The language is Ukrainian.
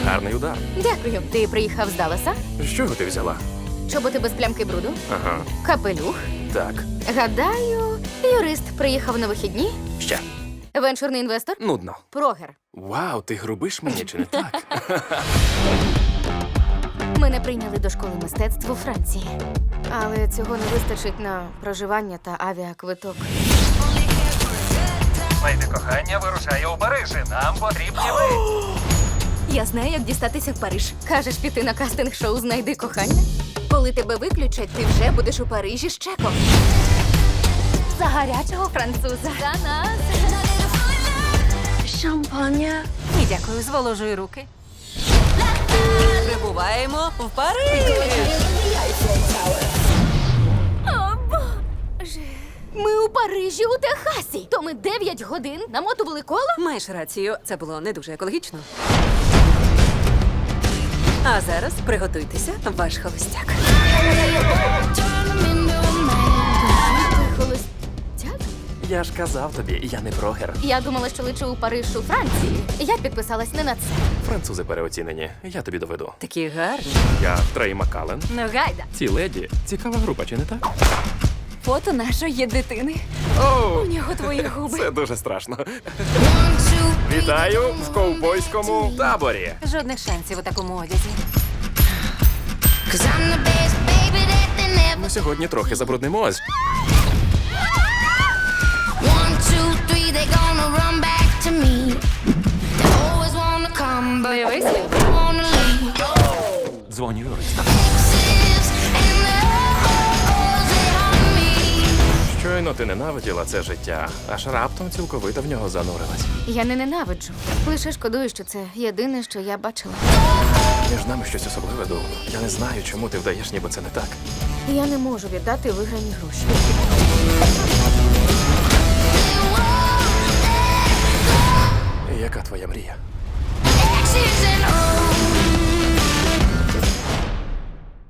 Гарний удар. Дякую. Ти приїхав з Далласа? З чого ти взяла? Чоботи без плямки бруду? Ага, Капелюх? так. Гадаю, юрист приїхав на вихідні? Ще. Венчурний інвестор? Нудно. Прогер. Вау, ти грубиш мені чи не так? Мене прийняли до школи мистецтв у Франції. Але цього не вистачить на проживання та авіаквиток. Леді кохання вирушає у Парижі. Нам потрібні ви. Я знаю, як дістатися в Париж. Кажеш, піти на кастинг-шоу «Знайди кохання»? Коли тебе виключать, ти вже будеш у Парижі з чеком. За гарячого француза. За нас. Шампаня. Ні, дякую, зволожую руки. Прибуваємо в Париж. О, Боже. Ми у Парижі, у Техасі. То ми 9 годин намотували коло? Маєш рацію, це було не дуже екологічно. А зараз приготуйтеся, ваш холостяк. Ти холостяк? Я ж казав тобі, я не прогер. Я думала, що лечу у Париж у Франції. Я підписалась не на це. Французи переоцінені. Я тобі доведу. Такі гарні. Я Трей Маккален. Ну, гайда. Ці леді цікава група, чи не так? Фото нашої дитини. Оу, У нього твої губи. це дуже страшно. Вітаю в ковбойському таборі. Жодних шансів у такому одязі. Ми сьогодні трохи забруднимось. Бойовий слід. Дзвоню юристам. Щойно ти ненавиділа це життя, аж раптом цілковито в нього занурилась. Я не ненавиджу. Лише шкодую, що це єдине, що я бачила. Між нами щось особливе, Доу. Я не знаю, чому ти вдаєш, ніби це не так. Я не можу віддати виграні гроші. Яка твоя мрія? Exes and